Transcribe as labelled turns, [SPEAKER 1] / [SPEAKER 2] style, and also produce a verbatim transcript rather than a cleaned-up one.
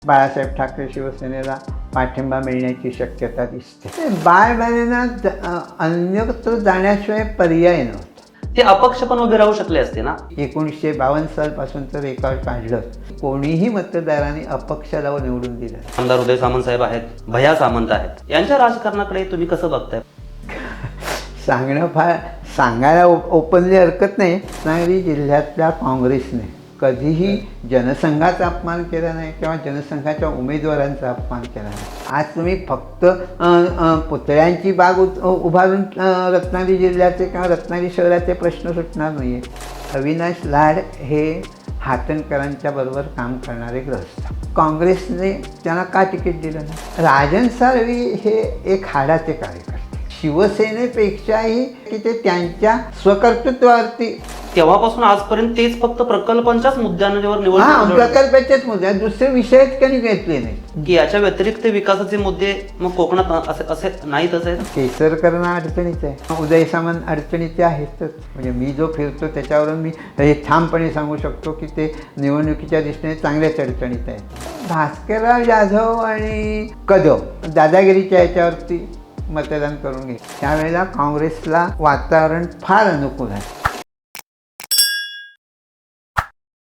[SPEAKER 1] बाळासाहेब ठाकरे शिवसेनेला पाठिंबा मिळण्याची शक्यता दिसते. बाळबालेंना अन्यत्र जाण्याशिवाय पर्याय नव्हता.
[SPEAKER 2] ते अपक्ष पण उभे राहू शकले असते ना.
[SPEAKER 1] एकोणीसशे बावन्न सालपासून तर रेकॉर्ड काढलं, कोणीही मतदारांनी अपक्षाला निवडून दिलं.
[SPEAKER 2] आमदार उदय सामंत साहेब आहेत, भैया सामंत आहेत, यांच्या राजकारणाकडे तुम्ही कसं बघताय?
[SPEAKER 1] सांगणं फार सांगायला ओपनली हरकत नाही. रत्नागिरी जिल्ह्यातल्या काँग्रेसने कधीही जनसंघाचा अपमान केला नाही किंवा जनसंघाच्या उमेदवारांचा अपमान केला नाही. आज तुम्ही फक्त पुतळ्यांची बाग उभारून रत्नागिरी जिल्ह्याचे किंवा रत्नागिरी शहराचे प्रश्न सुटणार नाही आहे. अविनाश लाड हे हातणकरांच्या बरोबर काम करणारे ग्रस्त. काँग्रेसने त्यांना का तिकीट दिलं नाही? राजन साळवी हे एक हाडाचे कार्यकर्ते. शिवसेनेपेक्षाही की ते त्यांच्या स्वकर्तृत्वावरती
[SPEAKER 2] तेव्हापासून आजपर्यंत तेच फक्त प्रकल्पांच्याच मुद्द्यांवर
[SPEAKER 1] हा
[SPEAKER 2] निवडणूक
[SPEAKER 1] प्रकल्पाचेच मुद्दे, दुसरे विषयच कधी घेतले नाही.
[SPEAKER 2] की याच्या व्यतिरिक्त विकासाचे मुद्दे मग कोकणात असे असे नाहीत असे
[SPEAKER 1] केसरकरणं अडचणीचं आहे, उदय सामंत अडचणीचे आहेतच. म्हणजे मी जो फिरतो त्याच्यावरून मी हे ठामपणे सांगू शकतो की ते निवडणुकीच्या दृष्टीने चांगल्याच अडचणीत आहेत. भास्करराव जाधव आणि कदम दादागिरीच्या याच्यावरती मतदान करून घे. त्यावेळेला काँग्रेसला वातावरण फार अनुकूल आहे.